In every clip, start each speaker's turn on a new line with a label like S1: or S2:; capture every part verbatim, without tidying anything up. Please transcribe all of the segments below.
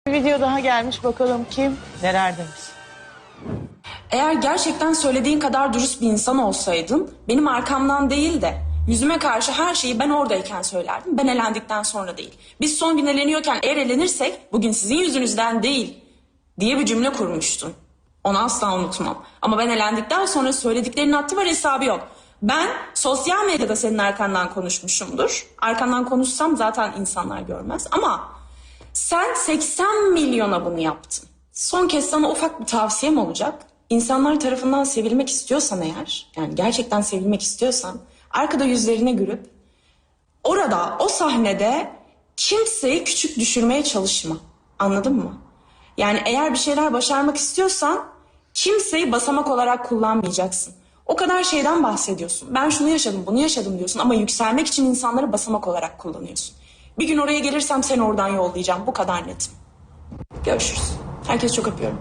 S1: Bir video daha gelmiş, bakalım kim neler demiş.
S2: Eğer gerçekten söylediğin kadar dürüst bir insan olsaydın, benim arkamdan değil de yüzüme karşı her şeyi ben oradayken söylerdim. Ben elendikten sonra değil. Biz son gün eleniyorken eğer elenirsek bugün sizin yüzünüzden değil diye bir cümle kurmuştun. Onu asla unutmam. Ama ben elendikten sonra söylediklerinin haddi var, hesabı yok. Ben sosyal medyada senin arkandan konuşmuşumdur. Arkandan konuşsam zaten insanlar görmez. Ama sen seksen milyona bunu yaptın. Son kez sana ufak bir tavsiyem olacak. İnsanlar tarafından sevilmek istiyorsan eğer, yani gerçekten sevilmek istiyorsan, arkada yüzlerine gülüp orada, o sahnede kimseyi küçük düşürmeye çalışma. Anladın mı? Yani eğer bir şeyler başarmak istiyorsan kimseyi basamak olarak kullanmayacaksın. O kadar şeyden bahsediyorsun. Ben şunu yaşadım, bunu yaşadım diyorsun ama yükselmek için insanları basamak olarak kullanıyorsun. Bir gün oraya gelirsem seni oradan yollayacağım. Bu kadar netim. Görüşürüz. Herkesi çok öpüyorum.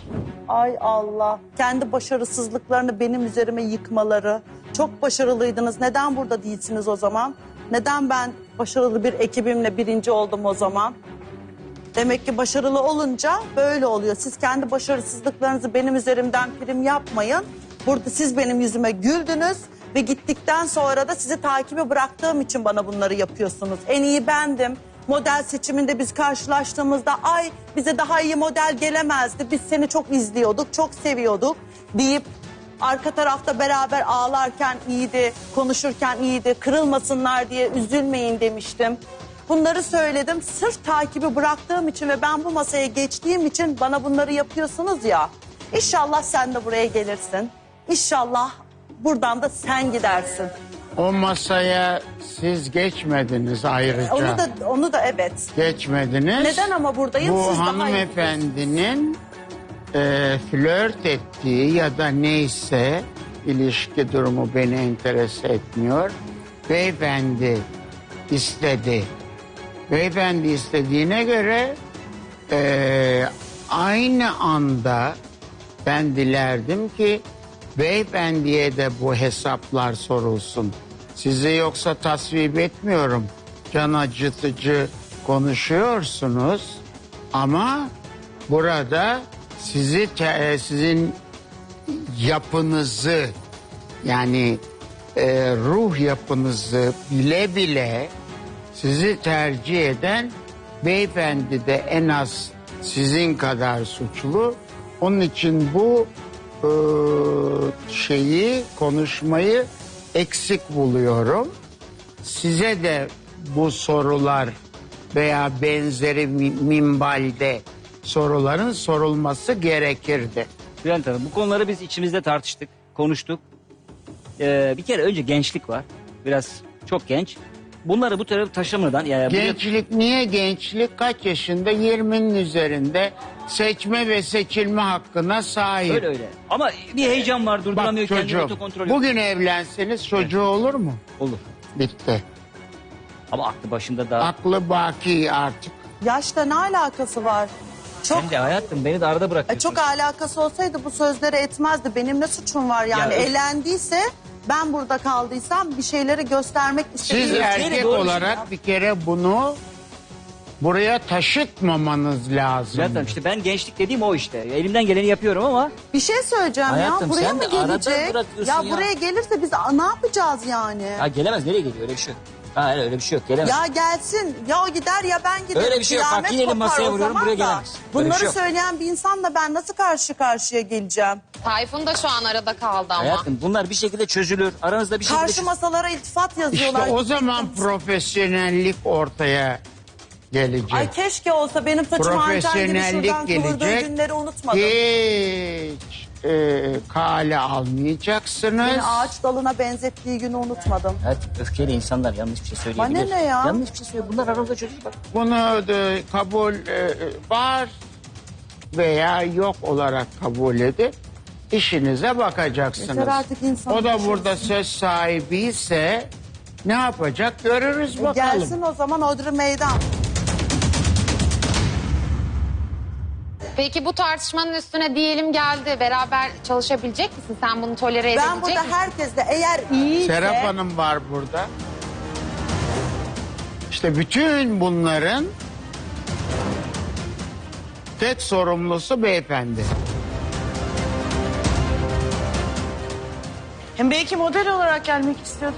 S3: Ay Allah. Kendi başarısızlıklarını benim üzerime yıkmaları. Çok başarılıydınız. Neden burada değilsiniz o zaman? Neden ben başarılı bir ekibimle birinci oldum o zaman? Demek ki başarılı olunca böyle oluyor. Siz kendi başarısızlıklarınızı benim üzerimden prim yapmayın. Burada siz benim yüzüme güldünüz ve gittikten sonra da sizi takibe bıraktığım için bana bunları yapıyorsunuz. En iyi bendim. Model seçiminde biz karşılaştığımızda ay bize daha iyi model gelemezdi. Biz seni çok izliyorduk, çok seviyorduk deyip arka tarafta beraber ağlarken iyiydi, konuşurken iyiydi, kırılmasınlar diye üzülmeyin demiştim. Bunları söyledim sırf takibi bıraktığım için ve ben bu masaya geçtiğim için bana bunları yapıyorsunuz ya. İnşallah sen de buraya gelirsin. İnşallah buradan da sen gidersin.
S4: O masaya siz geçmediniz ayrıca.
S3: Onu da onu da evet.
S4: Geçmediniz.
S3: Neden ama buradayım?
S4: Bu
S3: Siz daha iyi
S4: hanımefendinin e, flört ettiği ya da neyse ilişki durumu beni enterese etmiyor. Beyefendi istedi. Beyefendi istediğine göre e, aynı anda ben dilerdim ki beyefendiye de bu hesaplar sorulsun. Sizi yoksa tasvip etmiyorum. Can acıtıcı konuşuyorsunuz ama burada sizi te- sizin yapınızı yani e, ruh yapınızı bile bile sizi tercih eden beyefendi de en az sizin kadar suçlu. Onun için bu e, şeyi konuşmayı eksik buluyorum. Size de bu sorular veya benzeri minvalde soruların sorulması gerekirdi.
S5: Bülent Hanım, bu konuları biz içimizde tartıştık, konuştuk. Ee, bir kere önce gençlik var. Biraz çok genç. Bunları bu tarafa taşımadan... Yani
S4: Gençlik niye gençlik? Kaç yaşında? yirminin üzerinde seçme ve seçilme hakkına sahip.
S5: Öyle öyle. Ama bir heyecan var,
S4: Bak
S5: durduramıyor kendini,
S4: çocuğum,
S5: otokontrol yok.
S4: bugün evlenseniz çocuğu olur mu?
S5: Olur.
S4: Bitti.
S5: Ama aklı başında daha...
S4: Aklı baki artık.
S3: Yaşla ne alakası var? Çok
S5: Sen de hayatım beni de arada
S3: E,
S5: bırakıyorsun.
S3: çok alakası olsaydı bu sözleri etmezdi. Benim ne suçum var yani?
S5: Ya,
S3: Elendiyse ben burada kaldıysam bir şeyleri göstermek
S4: Siz
S3: istediğim
S4: erkek
S5: doğru
S4: olarak bir kere bunu buraya taşıtmamanız lazım.
S5: Bülent Hanım, işte ben gençlik dediğim o işte. Elimden geleni yapıyorum ama...
S3: bir şey söyleyeceğim
S5: Hayatım,
S3: ya. Buraya
S5: sen
S3: mı
S5: de arada
S3: gelecek?
S5: bırakıyorsun
S3: Ya,
S5: ya.
S3: buraya gelirse biz ne yapacağız yani?
S5: Ha, gelemez, nereye geliyor? Öyle bir şey yok. Ha, öyle, öyle bir şey yok, gelemez.
S3: Ya gelsin. Ya o gider ya ben giderim.
S5: Öyle bir şey yok. Bak,
S3: Kıyamet
S5: yine elim
S3: kopar
S5: masaya
S3: o
S5: vuruyorum,
S3: zaman
S5: buraya
S3: da.
S5: gelemez. Öyle bir
S3: Bunları
S5: şey yok.
S3: söyleyen bir insanla ben nasıl karşı karşıya geleceğim?
S6: Tayfun da şu an arada kaldı ama.
S5: Hayatım, bunlar bir şekilde çözülür. Aranızda bir şekilde...
S3: Karşı masalara iltifat
S4: İşte
S3: yazıyorlar.
S4: o zaman profesyonellik ortaya gelecek.
S3: Ay keşke olsa benim saçım Ancan gibi
S4: Profesyonellik
S3: şuradan kıvırdığı
S4: gelecek.
S3: günleri unutmadım.
S4: Hiç e, kale almayacaksınız.
S3: Beni ağaç dalına benzettiği günü unutmadım.
S5: Evet, öfkeyle insanlar yanlış bir şey söyleyebilir.
S3: Bana ne ya?
S5: Yanlış bir şey söylüyor. Bunlar aranızda çözülür bak.
S4: Bunu da kabul e, var veya yok olarak kabul edip işinize bakacaksınız.
S3: Yeter artık insan
S4: O da
S3: düşünsün.
S4: burada söz sahibi ise ne yapacak görürüz
S3: E,
S4: bakalım.
S3: Gelsin o zaman Odri Meydan.
S6: Peki bu tartışmanın üstüne diyelim geldi. Beraber çalışabilecek misin? Sen bunu tolere
S3: Ben
S6: edebilecek
S3: burada
S6: misin?
S3: herkesle eğer iyiyse...
S4: Serap Hanım var burada. İşte bütün bunların tek sorumlusu beyefendi.
S1: Hem belki model olarak gelmek istiyordu.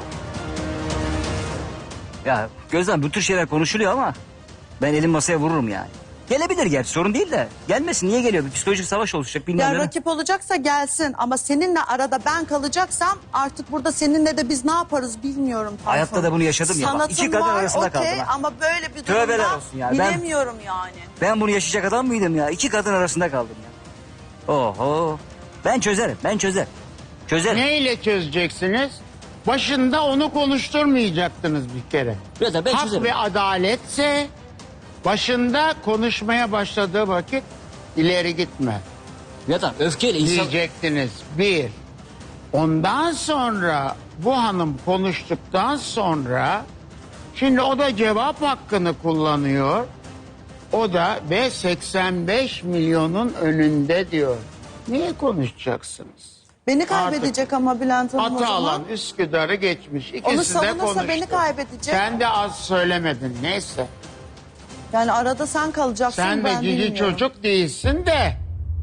S5: Ya Gözden bu tür şeyler konuşuluyor ama ben elim masaya vururum yani. Gelebilir gerçi sorun değil de. Gelmesin niye geliyor? Bir psikolojik savaş oluşacak bilmem
S3: Ya
S5: ne.
S3: rakip olacaksa gelsin ama seninle arada ben kalacaksam artık burada seninle de biz ne yaparız bilmiyorum. Tayfun.
S5: Hayatta da bunu yaşadım ya. Bak,
S3: Sanatın
S5: iki kadın
S3: var,
S5: arasında
S3: okey,
S5: kaldım ha.
S3: ama böyle bir
S5: Tövbeler
S3: durumda
S5: olsun ya, ben-
S3: bilemiyorum yani.
S5: Ben bunu yaşayacak adam mıydım ya? İki kadın arasında kaldım ya. Oho. Ben çözerim ben çözerim. Çözerim.
S4: Neyle çözeceksiniz? Başında onu konuşturmayacaktınız bir kere.
S5: Ya da ben
S4: Hak
S5: çözerim.
S4: ve adaletse başında konuşmaya başladığı vakit ileri gitme
S5: Ya da öfkeyle insan...
S4: diyecektiniz. Bir. Ondan sonra bu hanım konuştuktan sonra şimdi o da cevap hakkını kullanıyor. O da ve seksen beş milyonun önünde diyor. Niye konuşacaksınız?
S3: Beni kaybedecek ama Bülent Hanım o zaman.
S4: Atalan Üsküdar'ı geçmiş.
S3: Onu
S4: İkisi de
S3: savunursa
S4: konuştu.
S3: beni kaybedecek.
S4: Sen de az söylemedin. Neyse.
S3: Yani arada sen kalacaksın
S4: Sen de
S3: ben
S4: cici
S3: bilmiyorum.
S4: çocuk değilsin de.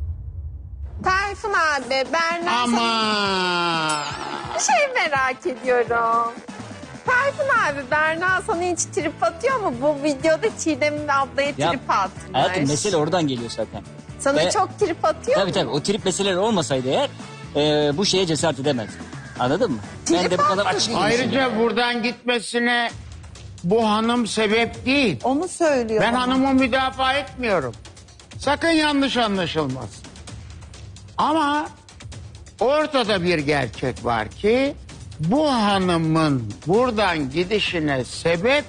S7: Tayfun abi, Berna
S4: Ama
S7: sana bir şey merak ediyorum. Tayfun abi, Berna sana hiç trip atıyor mu? Bu videoda Çiğdem'in ablaya
S5: Ya,
S7: trip atmış.
S5: Hayatım mesele oradan geliyor zaten.
S7: Sana
S5: Ve-
S7: çok trip atıyor
S5: Tabii
S7: mu?
S5: tabii o trip meseleleri olmasaydı eğer e, bu şeye cesaret edemezdim. Anladın mı? Ben
S7: Trip
S5: de bu kadar
S7: atmış.
S5: açık değilim.
S4: ayrıca buradan gitmesine bu hanım sebep değil.
S3: Onu söylüyor
S4: Ben
S3: bana.
S4: hanımı müdafaa etmiyorum. Sakın yanlış anlaşılmasın. Ama ortada bir gerçek var ki bu hanımın buradan gidişine sebep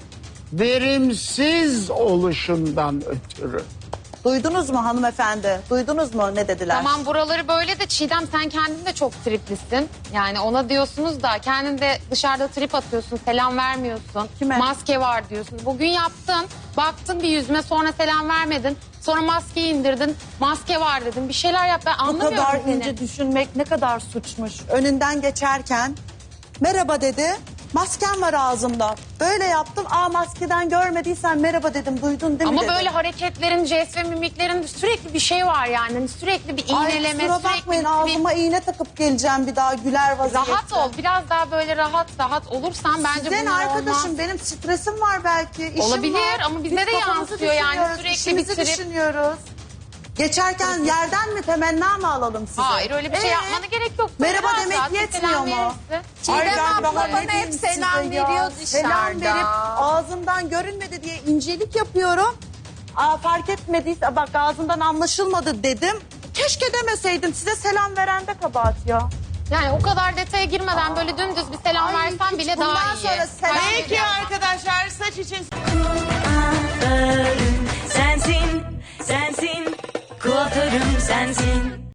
S4: verimsiz oluşundan ötürü.
S3: Duydunuz mu hanımefendi? Duydunuz mu ne dediler?
S6: Tamam buraları böyle de Çiğdem sen kendin de çok triplisin. Yani ona diyorsunuz da kendin de dışarıda trip atıyorsun, selam vermiyorsun.
S3: Kime?
S6: Maske var diyorsun. Bugün yaptın, baktın bir yüzüme sonra selam vermedin. Sonra maskeyi indirdin, maske var dedin. Bir şeyler yap ben
S3: Bu
S6: anlamıyorum
S3: kadar
S6: seni.
S3: ince düşünmek ne kadar suçmuş. Önünden geçerken merhaba dedi. Masken var ağzımda. Böyle yaptım. Aa maskeden görmediysen merhaba dedim. Duydun değil mi
S6: Ama
S3: dedi.
S6: böyle hareketlerin, jest ve mimiklerin sürekli bir şey var yani. Hani sürekli bir
S3: Ay
S6: iğneleme,
S3: kusura
S6: sürekli
S3: bakmayın
S6: bir...
S3: ağzıma iğne takıp geleceğim bir daha güler vaziyette.
S6: Rahat ol. Biraz daha böyle rahat rahat olursan bence
S3: Sizin
S6: bunlar
S3: arkadaşım
S6: olmaz.
S3: benim stresim var belki. işim
S6: Olabilir
S3: var.
S6: ama bize
S3: Biz
S6: de
S3: kafamızı
S6: yansıyor yani,
S3: düşünüyoruz,
S6: sürekli
S3: işimizi
S6: bir trip.
S3: düşünüyoruz. Geçerken yerden mi temenna mı alalım size?
S6: Hayır öyle bir şey
S3: Ee?
S6: yapmana gerek yok.
S3: Merhaba
S6: Rahat
S3: demek
S6: rahat bir
S3: yetmiyor
S6: selam
S3: mu?
S6: verirsin.
S7: Çiğdem
S3: Ay ben
S7: abla
S3: daha
S7: bana
S3: ne
S7: hep
S3: diyeyim size
S7: selam
S3: ya?
S7: veriyor
S3: Selam
S7: dışarıda.
S3: verip ağzımdan görünmedi diye incelik yapıyorum. Aa, fark etmediyse bak ağzından anlaşılmadı dedim. Keşke demeseydim size selam veren de kabahat ya.
S6: Yani o kadar detaya girmeden böyle dümdüz bir selam
S3: Ay,
S6: versen
S3: hiç
S6: bile
S3: bundan
S6: daha iyi.
S3: sonra selam-
S6: Hayır,
S1: Peki arkadaşlar saç için
S8: Sensin, sensin, kuaförüm sensin.